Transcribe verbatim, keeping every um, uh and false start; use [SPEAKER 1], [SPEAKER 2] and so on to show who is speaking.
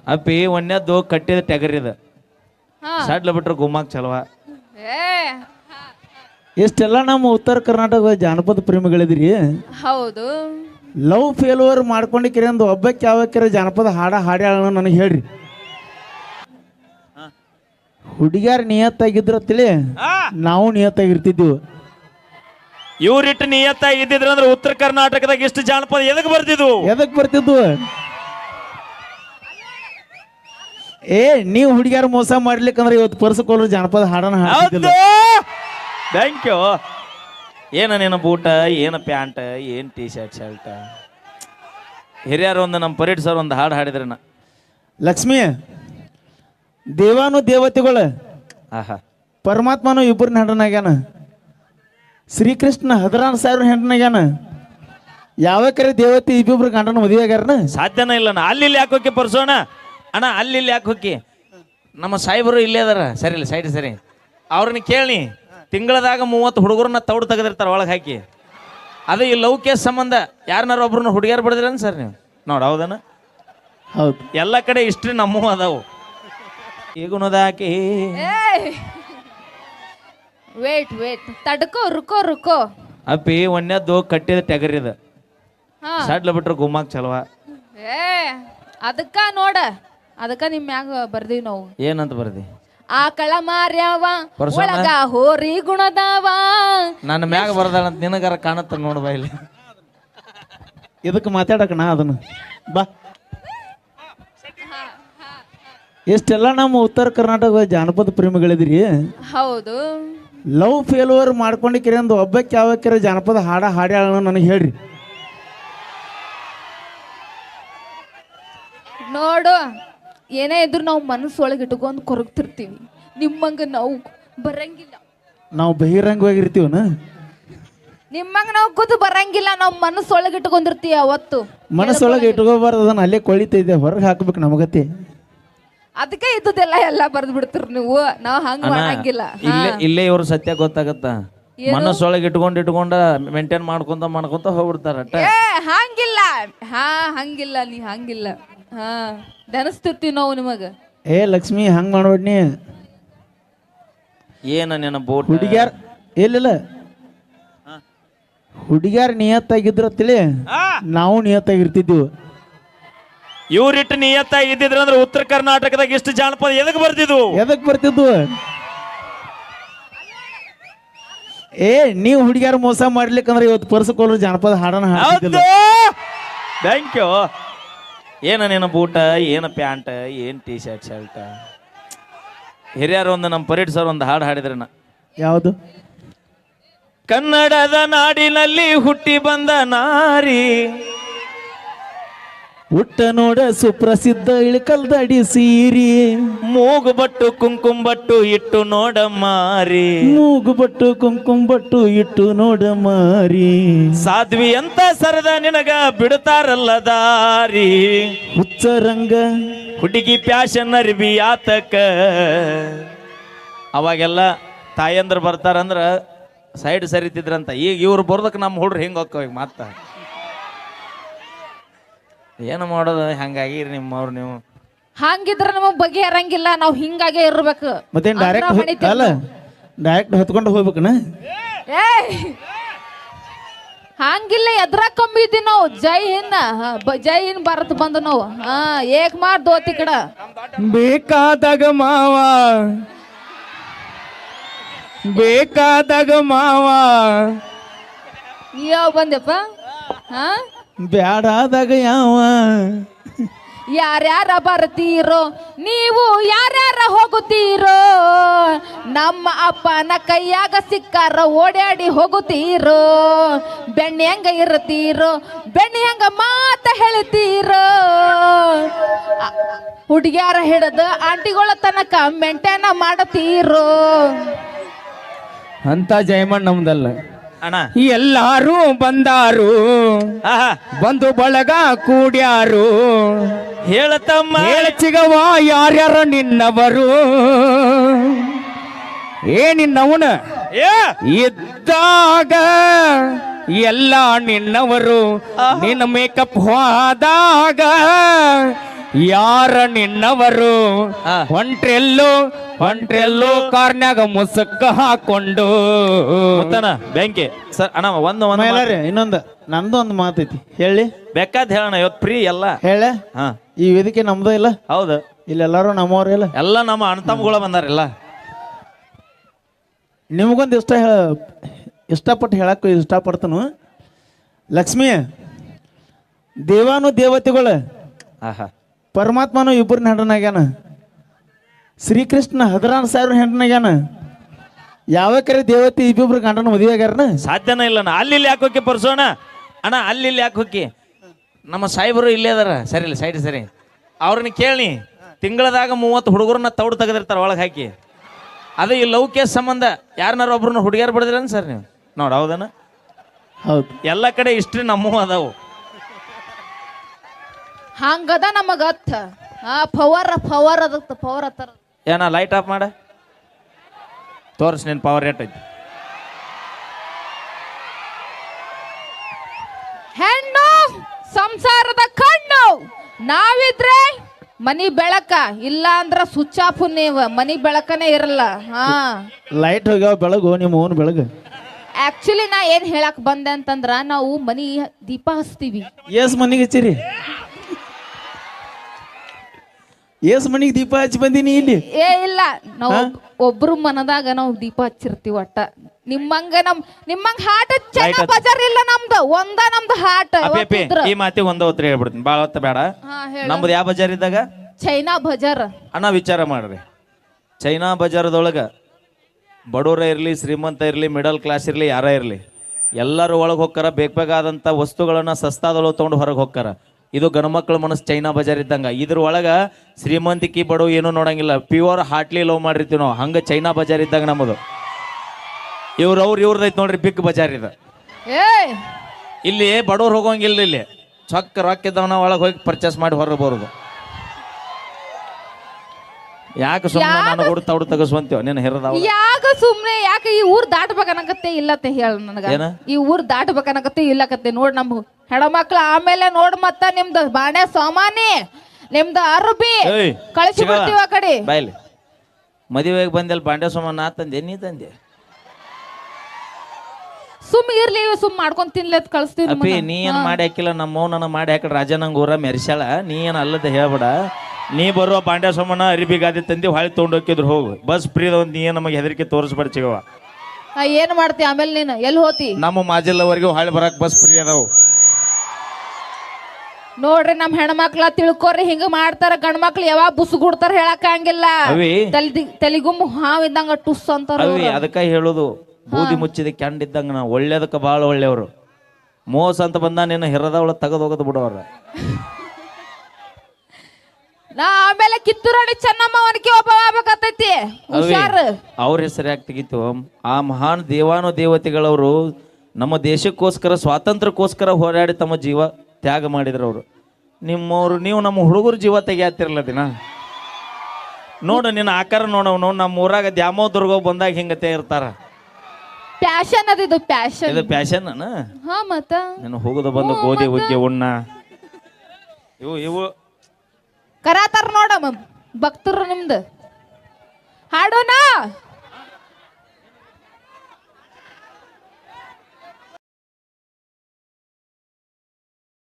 [SPEAKER 1] ಅಪ್ಪಿ ಒಂದೇದ್ದು ಕಟ್ಟಿದ ಟಗರಿದ
[SPEAKER 2] ಹಾ
[SPEAKER 1] ಸಡ್ಲ ಬಿಟ್ರೆ ಗುಮ್ಮಾಕ್ ಚಲವ.
[SPEAKER 2] ಏ
[SPEAKER 3] ಇಷ್ಟೆಲ್ಲ ನಮ್ಮ ಉತ್ತರ ಕರ್ನಾಟಕದ ಜಾನಪದ ಪ್ರೇಮಿಗಳಿದ್ರಿ.
[SPEAKER 2] ಹೌದು.
[SPEAKER 3] ಲವ್ ಫೇಲ್ಯೂರ್ ಮಾಡ್ಕೊಂಡಿಕ್ಕಿರಿ ಅಂದು ಒಬ್ಬಕ್ಕೆ ಯಾವಕ್ಕಿರ ಜಾನಪದ ಹಾಡ ಹಾಡ್ಯಾಳ ನನಗೆ ಹೇಳ್ರಿ. ಹುಡುಗ್ಯಾರ ನಿಯತ್ತಾಗಿದ್ರ ತಿಳಿ ನಾವು ನಿಯತ್ತಾಗಿರ್ತಿದ್ವಿ.
[SPEAKER 1] ಇವ್ರಿಟ್ಟು ನಿಯತ್ತಾಗಿ ಇದ್ದಿದ್ರ ಅಂದ್ರೆ ಉತ್ತರ ಕರ್ನಾಟಕದಾಗ ಇಷ್ಟು ಜಾನಪದ ಎದಕ್ ಬರ್ತಿದ್ವು
[SPEAKER 3] ಎದಕ್ ಬರ್ತಿದ್ವು? ಏ ನೀವು ಹುಡುಗ್ಯಾರ ಮೋಸ ಮಾಡ್ಲಿಕ್ಕಂದ್ರೆ ಇವತ್ತು ಪರ್ಸಕೋಲ್ರು ಜಾನಪದ ಹಾಡನ ಹಾಡ್ತಿದ್ದಿಲ್ಲ.
[SPEAKER 1] Thank you. ಏನ ನೀನು ಬೂಟ, ಏನ ಪ್ಯಾಂಟ್, ಏನ್ ಟೀ ಶರ್ಟ್ ಶರ್ಟ್. ಹಿರಿಯರು ಒಂದು ನಮ್ಮ ಪರೇಡ್ ಸರ್ ಒಂದು ಹಾಡು ಹಾಡಿದ್ರನ.
[SPEAKER 3] ಲಕ್ಷ್ಮಿ ದೇವಾನು ದೇವತೆಗಳು
[SPEAKER 1] ಆಹಾ
[SPEAKER 3] ಪರಮಾತ್ಮನು ಇಬ್ಬರನ್ನ ಹೆಂಡನಾಗ್ಯಾನ. ಶ್ರೀಕೃಷ್ಣ ಹದಿನಾರು ಸಾವಿರ ಹೆಂಡನಾಗ್ಯಾನ. ಯಾವ ಕರೆ ದೇವತೆ ಇಬ್ಬಿಬ್ರು ಗಂಡನ ಮದುವೆ ಆಗ್ಯಾರನ?
[SPEAKER 1] ಸಾಧ್ಯನೇ ಇಲ್ಲ. ಅಲ್ಲಿ ಇಲ್ಲಿ ಯಾಕೆ ಹೋಗಿ ಪರ್ಸೋಣ ಅಣ್ಣ, ಅಲ್ಲಿ ಇಲ್ಲಿ ಯಾಕೆ ಹೋಗಿ? ನಮ್ಮ ಸಾಹೇಬರು ಇಲ್ಲೇ ಅದಾರ. ಸರಿ ಇಲ್ಲ ಸೈಡ್ ಸರಿ. ಅವ್ರನ್ನ ಕೇಳಿ ತಿಂಗಳದಾಗ ಮೂವತ್ತು ಹುಡುಗರನ್ನ ತೌಡು ತೆಗೆದಿರ್ತಾರೆ ಒಳಗೆ ಹಾಕಿ. ಅದು ಈ ಲವ್ ಕೇಸ್ ಸಂಬಂಧ ಯಾರನ್ನಾರ ಒಬ್ರನ್ನ ಹುಡುಗಿಯರು ಬಡಿದ್ರನ್ ಸರ್ ನೀವು ನೋಡಿ? ಹೌದನ?
[SPEAKER 3] ಹೌದು.
[SPEAKER 1] ಎಲ್ಲ ಕಡೆ ಇಷ್ಟ್ರಿ ನಮ್ಮೂ ಅದಾವು. ಈಗುಣದಾಕಿ
[SPEAKER 2] ವೇಟ್ ವೇಟ್ ತಡ್ಕೋ ರುಕೋ ರುಕೋ.
[SPEAKER 1] ಅಪ್ಪಿ ಒಂದೇದ್ದು ಕಟ್ಟಿದ ಟಗರಿದ
[SPEAKER 2] ಹಾ
[SPEAKER 1] ಸಡ್ಲ ಬಿಟ್ರೆ ಗುಮ್ಮಾಕ್ ಚಲವ.
[SPEAKER 2] ಏ ಅದಕ್ಕ ನೋಡ, ಅದಕ್ಕ ನಿಮ್ ಮ್ಯಾಗ ಬರ್ದೀವಿ ನಾವು.
[SPEAKER 1] ಏನಂತ ಬರ್ದಿ?
[SPEAKER 2] ಆಕಳ ಮಾರ್ಯಾವ
[SPEAKER 1] ಪರ್ಸೋಣ?
[SPEAKER 2] ಒಳಗ ಹೋರಿ ಗುಣದಾವ.
[SPEAKER 1] ನನ್ನ ಮ್ಯಾಗ ಬರ್ದಾಳಂತ ನಿನಗಾರ ಕಾಣತ್ತ ನೋಡ್ಬಾ ಇಲ್ಲಿ.
[SPEAKER 3] ಇದಕ್ಕೆ ಮಾತಾಡಕ ನಾ ಅದನ್ನು ಬಾ. ಇಷ್ಟೆಲ್ಲ ನಮ್ಮ ಉತ್ತರ ಕರ್ನಾಟಕದ ಜಾನಪದ ಪ್ರೇಮಿಗಳಿದ್ರಿ.
[SPEAKER 2] ಹೌದು.
[SPEAKER 3] ಲವ್ ಫೇಲ್ಯೂರ್ ಮಾಡ್ಕೊಂಡಿಕ್ಕಿರಿ ಅಂದು ಒಬ್ಬಕ್ಕೆ ಯಾವಕ್ಕಿರ ಜಾನಪದ ಹಾಡ ಹಾಡ್ಯಾಳ ನನಗೆ ಹೇಳ್ರಿ.
[SPEAKER 2] ನೋಡು, ಏನೇ ಇದ್ರು ನಾವು ಮನಸ್ಸೊಳಗೆ ಇಟ್ಕೊಂಡು ಕೊರಗ್ತಿರ್ತೀವಿ. ನಿಮ್ಮಂಗ ನಾವು ಬರಂಗಿಲ್ಲ.
[SPEAKER 3] ನಾವು ಬಹಿರಂಗವಾಗಿರ್ತೀವನ?
[SPEAKER 2] ನಿಮ್ಮಂಗ ನಾವು ಕೂತು ಬರಂಗಿಲ್ಲ. ನಾವು ಮನಸ್ಸೊಳಗೆ ಇಟ್ಕೊಂಡಿರ್ತೀವಿ. ಅವತ್ತು
[SPEAKER 3] ಮನಸ್ಸೊಳಗೆ ಇಟ್ಕೋಬಾರ್ದು, ಅದನ್ನ ಅಲ್ಲೇ ಕೊಳಿತೈತೆ, ಹೊರಗೆ ಹಾಕ್ಬೇಕು ನಮಗತ್ತೆ.
[SPEAKER 2] ಅದಕ್ಕೆ ಇದ್ದದೆಲ್ಲ ಎಲ್ಲ ಬರ್ದು ಬಿಡ್ತೀರಿ ನೀವು. ನಾವು ಹಂಗ ಮಾಡಂಗಿಲ್ಲ.
[SPEAKER 1] ಇಲ್ಲೇ ಇಲ್ಲೇ ಇವ್ರ ಸತ್ಯ ಗೊತ್ತಾಗತ್ತ. ಮನಸ್ಸೊಳಗೆ ಇಟ್ಕೊಂಡ್ ಇಟ್ಕೊಂಡ ಮೇಂಟೈನ್ ಮಾಡ್ಕೊಂತ ಮಾಡ್ಕೊಂತ ಹೋಗ್ಬಿಡ್ತಾರ.
[SPEAKER 2] ಏ ಹಂಗಿಲ್ಲ. ಹಾ ಹಂಗಿಲ್ಲ. ನೀ ಹಂಗಿಲ್ಲ. ಹಾ ದನಸ್ತಿರ್ತೀವಿ ನಾವು ನಿಮಗ.
[SPEAKER 3] ಏ ಲಕ್ಷ್ಮಿ ಹಂಗ್ ಮಾಡ್ಬೇಡ್ನಿ.
[SPEAKER 1] ಏನ ನಿನ್ನ ಬೋಟ್
[SPEAKER 3] ಹುಡುಗ್ಯಾರ ಎಲ್ಲಿಲ್ಲ ಹುಡುಗ್ಯಾರ ನಿಯತ್ತಾಗಿದ್ರ ತಿಳಿ ನಾವು ನಿಯತ್ತಾಗಿರ್ತಿದ್ವಿ.
[SPEAKER 1] ಇವ್ರಿಟ್ಟು ನಿಯತ್ತಾಗಿ ಇದ್ದಿದ್ರ ಅಂದ್ರೆ ಉತ್ತರ ಕರ್ನಾಟಕದಾಗ ಇಷ್ಟು ಜಾನಪದ ಎದಕ್ ಬರ್ತಿದ್ವು
[SPEAKER 3] ಎದಕ್ ಬರ್ತಿದ್ವು? ಏ ನೀವು ಹುಡುಗ್ಯಾರ ಮೋಸ ಮಾಡ್ಲಿಕ್ಕಂದ್ರೆ ಇವತ್ತು ಪರ್ಸಕೋಲ್ರು ಜಾನಪದ ಹಾಡನ ಹಾಡ್ತಿದ್ದಿಲ್ಲ.
[SPEAKER 1] Thank you. ಏನ ನೀನು ಬೂಟ, ಏನ ಪ್ಯಾಂಟ್, ಏನ್ ಟೀ ಶರ್ಟ್ ಶರ್ಟ್. ಹಿರಿಯರು ಒಂದು ನಮ್ಮ ಪರೇಡ್ ಸರ್ ಒಂದು ಹಾಡು ಹಾಡಿದ್ರನ.
[SPEAKER 3] ಯಾವುದು?
[SPEAKER 1] ಕನ್ನಡದ ನಾಡಿನಲ್ಲಿ ಹುಟ್ಟಿ ಬಂದ ನಾರಿ,
[SPEAKER 3] ಹುಟ್ಟ ನೋಡ ಸುಪ್ರಸಿದ್ಧ ಇಳಕಲ್ದಡಿ ಸೀರಿ,
[SPEAKER 1] ಮೂಗು ಬಟ್ಟು ಕುಂಕುಮ ಬಟ್ಟು ಇಟ್ಟು ನೋಡ ಮಾರಿ,
[SPEAKER 3] ಮೂಗು ಬಟ್ಟು ಕುಂಕುಮ ಬಟ್ಟು ಇಟ್ಟು ನೋಡ ಮಾರಿ,
[SPEAKER 1] ಸಾಧ್ವಿ ಅಂತ ಸರದ ನಿನಗ ಬಿಡ್ತಾರಲ್ಲ ದಾರಿ,
[SPEAKER 3] ಹುಚ್ಚರಂಗ
[SPEAKER 1] ಹುಡುಗಿ ಪ್ಯಾಶನ್ ಅರ್ಬಿ ಆತಕ. ಅವಾಗೆಲ್ಲ ತಾಯಂದ್ರ ಬರ್ತಾರಂದ್ರ ಸೈಡ್ ಸರಿತಿದ್ರಂತ. ಈಗ ಇವ್ರು ಬರ್ದಕ್ಕೆ ನಮ್ಮ ಹುಡ್ರು ಹಿಂಗೆ ಹೋಗ್ತಾವ. ಈಗ ಮತ್ತ ಏನು ಮಾಡೋದು? ಹಂಗಾಗಿರಿ ನಿಮ್ಮವ್ರು ನೀವು.
[SPEAKER 2] ಹಂಗಿದ್ರ ನಮಗ್ ಬಗೆಹರಂಗಿಲ್ಲ. ನಾವು ಹಿಂಗಾಗೆ ಇರ್ಬೇಕು.
[SPEAKER 3] ಮತ್ತೆ ಡೈರೆಕ್ಟ್ ಅಲ್ಲ, ಡೈರೆಕ್ಟ್ ಹೊತ್ಕೊಂಡು ಹೋಗ್ಬೇಕನ?
[SPEAKER 2] ಏ ಹಂಗಿಲ್ಲ. ಎದ್ರ ಕಮ್ಮಿದ್ವಿ ನಾವು. ಜೈ ಹಿಂದ್ ಜೈ ಹಿಂದ್ ಭಾರತ್ ಬಂದ ನಾವು. ಹಾ ಏಕ್ ಮಾರ್ ದೋತಿ ಕಡ
[SPEAKER 3] ಬೇಕಾದಾಗ ಮಾವ, ಬೇಕಾದಾಗ ಮಾವ,
[SPEAKER 2] ಯಾವ ಬಂದೆಪ್ಪ? ಹಾ
[SPEAKER 3] ಬ್ಯಾಡಾದಾಗ ಯಾವ.
[SPEAKER 2] ಯಾರ್ಯಾರ ಬರ್ತೀರೋ ನೀವು, ಯಾರ್ಯಾರ ಹೋಗುತ್ತೀರೋ, ನಮ್ಮ ಅಪ್ಪನ ಕೈಯಾಗ ಸಿಕ್ಕಾರ ಓಡಾಡಿ ಹೋಗುತ್ತೀರೋ, ಬೆಣ್ಣೆ ಹೆಂಗ ಇರ್ತೀರೋ, ಬೆಣ್ಣೆ ಹೆಂಗ ಮಾತ ಹೇಳ್ತೀರೋ, ಹುಡುಗ್ಯಾರ ಹಿಡಿದು ಆಂಟಿಗಳ ತನಕ ಮೆಂಟೇನ ಮಾಡತೀರೋ
[SPEAKER 3] ಅಂತ ಜಯಮಣ್ಣ ನಮ್ದಲ್ಲ
[SPEAKER 1] ಅಣ್ಣ.
[SPEAKER 3] ಎಲ್ಲಾರು ಬಂದಾರು, ಬಂದು ಬಳಗ ಕೂಡ್ಯಾರು,
[SPEAKER 1] ಹೇಳತಮ್ಮ
[SPEAKER 3] ಚಿಗವ ಯಾರ್ಯಾರ ನಿನ್ನವರು, ಏ ನಿನ್ನವನ ಇದ್ದಾಗ ಎಲ್ಲ ನಿನ್ನವರು, ನಿನ್ನ ಮೇಕಪ್ ಹೋದಾಗ
[SPEAKER 4] ಯಾರ ನಿನ್ನವರು
[SPEAKER 1] ಹಾ.
[SPEAKER 4] ಹೊಂಟ್ರೆಲ್ಲೋ ಹೊಂಟ್ರೆಲ್ಲೋ ಕಾರ್ನ್ಯಾಗ ಮುಸುಕ್ಕ ಹಾಕೊಂಡು
[SPEAKER 1] ಮುತ್ತನ ಬೆಂಕಿ ಸರ್ ಅಣ್ಣ ಒಂದು ಒಂದು
[SPEAKER 3] ಮೈಲಾರಿ ಇನ್ನೊಂದು ನಂದು ಒಂದು ಮಾತೈತಿ ಹೇಳಿ
[SPEAKER 1] ಬೇಕಾದ ಹೇಳೋಣ ಇವತ್ತು ಫ್ರೀ ಎಲ್ಲ
[SPEAKER 3] ಹೇಳ
[SPEAKER 1] ಹಾ
[SPEAKER 3] ಈ ವೇದಿಕೆ ನಮ್ದು ಇಲ್ಲ
[SPEAKER 1] ಹೌದು
[SPEAKER 3] ಇಲ್ಲೆಲ್ಲಾರು ನಮ್ಮವ್ರ ಇಲ್ಲ
[SPEAKER 1] ಎಲ್ಲ ನಮ್ಮ ಅಣ್ತಮ್ಮಗಳ ಬಂದಾರೆಲ್ಲ
[SPEAKER 3] ನಿಮಗೊಂದು ಇಷ್ಟ ಹೇಳ ಇಷ್ಟಪಟ್ಟು ಹೇಳಕ್ಕೂ ಇಷ್ಟಪಡ್ತನು ಲಕ್ಷ್ಮಿ ದೇವಾನು ದೇವತೆಗಳು
[SPEAKER 1] ಆಹಾ
[SPEAKER 3] ಪರಮಾತ್ಮನು ಇಬ್ಬರನ್ನ ಹೆಂಡನಾಗ್ಯಾನ ಶ್ರೀಕೃಷ್ಣ ಹದಿನಾರು ಸಾವಿರ ಹೆಂಡನಾಗ್ಯಾನ ಯಾವ ಕರೆ ದೇವತೆ ಇಬ್ಬಿಬ್ರು ಗಂಡನ ಮದುವೆ ಆಗ್ಯಾರನ
[SPEAKER 1] ಸಾಧ್ಯನೇ ಇಲ್ಲ ಅಣ್ಣ ಅಲ್ಲಿ ಇಲ್ಲಿ ಯಾಕೆ ಹೋಗಿ ಪರ್ಸೋಣ ಅಣ್ಣ ಅಲ್ಲಿ ಇಲ್ಲಿ ಯಾಕೆ ಹೋಗಿ ನಮ್ಮ ಸಾಹೇಬರು ಇಲ್ಲೇ ಅದಾರ ಸರಿ ಇಲ್ಲ ಸೈಡ್ ಸರಿ ಅವ್ರನ್ನ ಕೇಳಿ ತಿಂಗಳದಾಗ ಮೂವತ್ತು ಹುಡುಗರನ್ನ ತೌಡು ತೆಗೆದಿರ್ತಾರ ಒಳಗೆ ಹಾಕಿ ಅದು ಈ ಲವ್ ಕೇಸ್ ಸಂಬಂಧ ಯಾರನ್ನಾರ ಒಬ್ರನ್ನ ಹುಡುಗಿಯರು ಬಿಡಿದ್ರನ್ ಸರ್ ನೀವು ನೋಡಿ ಹೌದನ
[SPEAKER 3] ಹೌದು
[SPEAKER 1] ಎಲ್ಲ ಕಡೆ ಇಷ್ಟ್ರಿ ನಮ್ಮೂ ಅದಾವು
[SPEAKER 2] ಹಂಗದ ನಮಗತ್ತ ಆ ಪವರ್ ಪವರ್ ಅದತ್ತ ಪವರ್ ಅತ್ತಾರ
[SPEAKER 1] ಏನ ಲೈಟ್ ಆಫ್ ಮಾಡ ತೋರ್ಸ್ ನಿನ್ ಪವರ್ ರೇಟ್ ಐತಿ
[SPEAKER 2] ಹೆಣ್ಣು ಸಂಸಾರದ ಕಣ್ಣು ನಾವಿದ್ರೆ ಮನಿ ಬೆಳಕ ಇಲ್ಲ ಅಂದ್ರ ಸ್ವಿಚ್ ಆಫ್ ನೀವ್ ಮನಿ ಬೆಳಕನೇ ಇರಲ್ಲ ಹಾ
[SPEAKER 3] ಲೈಟ್ ಹೋಗ್ಯಾವ ಬೆಳಗು ನಿಮ್ಮ ಓನ್ ಬೆಳಗು
[SPEAKER 2] ಆಕ್ಚುಲಿ ನಾ ಏನ್ ಹೇಳಕ್ ಬಂದೆ ಅಂತಂದ್ರ ನಾವು ಮನಿ ದೀಪ ಹಚ್ತೀವಿ
[SPEAKER 3] ಏಸ್ ಮನಿಗೆ ಹಚ್ಚಿರಿ ಏಸ್ ಮನಿಗೆ ದೀಪ ಹಚ್ಚಿ ಬಂದೀನಿ ಇಲ್ಲಿ
[SPEAKER 2] ಏ ಇಲ್ಲ ನಾವು ಒಬ್ರು ಮನದಾಗ ನಾವು ದೀಪ ಹಚ್ಚಿರ್ತೀವಿ ಒಟ್ಟ ನಿಮ್ಮಂಗ ನಮ್ ನಿಮ್ಮಂಗ ಹಾಟ್ ಚೈನಾ ಬಜಾರ್ ಇಲ್ಲ ನಮ್ದು ಒಂದ ನಮ್ದು ಹಾಟ್
[SPEAKER 1] ಅಪ್ಪಿ ಈ ಮಾತಿ ಒಂದ ಹೊತ್ತು ಹೇಳ್ಬಿಡ್ತೀನಿ ಭಾಳ ಹೊತ್ತ ಬೇಡ ನಮ್ದು ಯಾವ ಬಜಾರ್ ಇದ್ದಾಗ
[SPEAKER 2] ಚೈನಾ ಬಜಾರ್
[SPEAKER 1] ಅಣ್ಣ ವಿಚಾರ ಮಾಡ್ರಿ ಚೈನಾ ಬಜಾರದೊಳಗ ಬಡವರ ಇರಲಿ ಶ್ರೀಮಂತ ಇರಲಿ ಮಿಡಲ್ ಕ್ಲಾಸ್ ಇರಲಿ ಯಾರ ಇರಲಿ ಎಲ್ಲರೂ ಒಳಗೆ ಹೋಗ್ತಾರ ಬೇಕಾದಂಥ ವಸ್ತುಗಳನ್ನ ಸಸ್ತಾದೊಳಗೆ ತೊಗೊಂಡು ಹೊರಗೆ ಹೋಗ್ತಾರ ಇದು ಗಣಮಕ್ಳ ಮನಸ್ಸು ಚೈನಾ ಬಜಾರ್ ಇದ್ದಂಗ ಇದ್ರ ಒಳಗ ಶ್ರೀಮಂತಿಕಿ ಬಡವ ಏನೂ ನೋಡಂಗಿಲ್ಲ ಪ್ಯೂರ್ ಹಾಟ್ಲಿ ಲವ್ ಮಾಡಿರ್ತೀವಿ ನಾವು ಹಂಗ ಚೈನಾ ಬಜಾರ್ ಇದ್ದಂಗ ನಮ್ಮದು ಇವ್ರ ಅವ್ರು ಇವ್ರದೈತ್ ನೋಡ್ರಿ ಬಿಗ್ ಬಜಾರ್ ಇದು
[SPEAKER 2] ಏ
[SPEAKER 1] ಇಲ್ಲಿ ಬಡವ್ರು ಹೋಗೋಂಗಿಲ್ಲ ಇಲ್ಲಿ ಚೊಕ್ಕ ರೊಕ್ಕ ಇದ್ದವನ ಒಳಗೆ ಹೋಗಿ ಪರ್ಚೇಸ್ ಮಾಡಿ ಹೊರಗೆ ಬರೋದು ಯಾಕೆ ಸುಮ್ಮನೆ ನಾನು ಕೂಡ ತೌಡು ತಗಸ್ವಂತೀವ ನೀನು ಹೆರದವ
[SPEAKER 2] ಯಾಕ ಸುಮ್ನೆ ಯಾಕೆ ಈ ಊರ್ ದಾಟ್ಬೇಕನ್ನಕತ್ತೆ ಇಲ್ಲತ್ತೆ ಹೇಳ ನನಗ
[SPEAKER 1] ಏನ?
[SPEAKER 2] ಈ ಊರ್ ದಾಟ್ಬೇಕನ್ನಕತ್ತೆ ಇಲ್ಲಕತ್ತೆ ನೋಡ್ ನಮ್ ಹೆಣ್ಮಕ್ಳು ಆಮೇಲೆ ನೋಡ್ ಮತ್ತ ನಿಮ್ದು ಬಾಣೆ ಸಾಮಾನಿ ನಿಮ್ದು ಅರ್ಬಿ
[SPEAKER 1] ಏಯ್,
[SPEAKER 2] ಕಳಿಸಿ
[SPEAKER 1] ಸಿಗವ?
[SPEAKER 2] ಬಿಡ್ತೀವಿ ಆ ಕಡೆ
[SPEAKER 1] ಬಾಯ್ಲಿ ಮದುವೆಗೆ ಬಂದೆಲ್ಲ ಬಾಂಡೆ ಸೋಮ ನಾ ತಂದೆ ನೀ ತಂದೆ
[SPEAKER 2] ಸುಮ್ ಇರ್ಲಿ ಸುಮ್ ಮಾಡ್ಕೊಂಡ್ ತಿನ್ಲತ್ ಕಳಿಸ್ತೀವಿ
[SPEAKER 1] ಅಪ್ಪಿ ನೀ ಏನ್ ಮಾಡಿ ಹಾಕಿಲ್ಲ ನಮ್ಮ ನನ್ನ ಮಾಡಿ ಹಾಕಿ ರಾಜನಂಗ ಊರ ಮೆರ್ಸ್ಯಾಳ ನೀ ಏನ್ ಅಲ್ಲದ ಹೇಳ್ಬೇಡ ನೀ ಬರುವ ಬಾಂಡೆ ಸೋಮನ ಅರಿಬಿ ಗಾದಿ ತಂದಿ ಹೊಳಿ ತೊಗೊಂಡು ಹೋಗಿದ್ರು ಹೋಗು ಬಸ್ ಫ್ರೀದ ಒಂದು ನೀ ಏನ್ ನಮಗೆ ಹೆದರಿಕೆ ತೋರಿಸ್ಬೇಡ ಚಿಗವ
[SPEAKER 2] ಆ, ಏನ್ ಮಾಡ್ತಿ ಆಮೇಲೆ ನೀನು ಎಲ್ಲಿ ಹೋತಿ
[SPEAKER 1] ನಮ್ಮ ಮಾಜಿಲ್ಲವರೆಗೂ ಹೊಳಿ ಬರಕ್ ಬಸ್ ಫ್ರೀ ಅದಾವು
[SPEAKER 2] ನೋಡ್ರಿ ನಮ್ ಹೆಣ್ಮಕ್ಳ ತಿಳ್ಕೊರಿ ಹಿಂಗ ಮಾಡ್ತಾರ ಗಂಡ್ಮಕ್ಳು ಯಾವಾಗ ಬುಸುಗುಡ್ತಾರ ಹೇಳಕ್ ಹಂಗಿಲ್ಲ
[SPEAKER 1] ಅವಿ
[SPEAKER 2] ತಲಿ ತಲಿಗುಂಬು ಹಾವ್ ಇದ್ದಂಗ ಟುಸ್ ಅಂತಾರ
[SPEAKER 1] ಅವಿ ಅದಕ್ಕ ಹೇಳೋದು ಬೂದಿ ಮುಚ್ಚಿದ ಕೆಂಡ್ ಇದ್ದಂಗ ನಾವು ಒಳ್ಳೇದಕ್ಕ ಭಾಳ ಒಳ್ಳೆಯವರು ಮೋಸ ಅಂತ ಬಂದ ನೀನು ಹೆರದವಳ ತೆಗೆದು ಹೋಗೋದು ಬಿಡೋರ
[SPEAKER 2] ನಾ ಆಮೇಲೆ ಕಿತ್ತೂರಾಣಿ ಚೆನ್ನಮ್ಮ ಅವನಿಗೆ ಒಬ್ಬ ಆಗ್ಬೇಕತ್ತೈತಿ ಹುಷಾರ್
[SPEAKER 1] ಅವ್ರ ಹೆಸರು ಯಾಕೆ ತೆಗಿತು ಆ ಮಹಾನ್ ದೇವಾನು ದೇವತೆಗಳವರು ನಮ್ಮ ದೇಶಕ್ಕೋಸ್ಕರ ಸ್ವಾತಂತ್ರ್ಯಕ್ಕೋಸ್ಕರ ಹೋರಾಡಿ ತಮ್ಮ ಜೀವ ತ್ಯಾಗ ಮಾಡಿದ್ರು ಅವರು ನಿಮ್ಮವ್ರು ನೀವು ನಮ್ಮ ಹುಡುಗರು ಜೀವ ತೆಗಿಯಾತಿರಲ್ಲ ದಿನ ನೋಡು ನಿನ್ನ ಆಕಾರ ನೋಡವ್ ನೋಡು ನಮ್ಮ ಊರಾಗ ದ್ಯಾಮೋ ದುರ್ಗ ಬಂದಾಗ ಹಿಂಗತೆ ಇರ್ತಾರ
[SPEAKER 2] ಪ್ಯಾಶನ್ ಅದಿದು ಪ್ಯಾಶನ್
[SPEAKER 1] ಇದು ಪ್ಯಾಶನ್
[SPEAKER 2] ಹಾ ಮತ್ತ
[SPEAKER 1] ನೀನು ಹೋಗುದು ಬಂದು ಗೋಧಿ ಹುಗ್ಗಿ ಉಣ್ಣ ಇವು ಇವು
[SPEAKER 2] ಕರಾತಾರ ನೋಡಮ್ಮ ಭಕ್ತರು ನಿಮ್ದು ಹಾಡೋಣ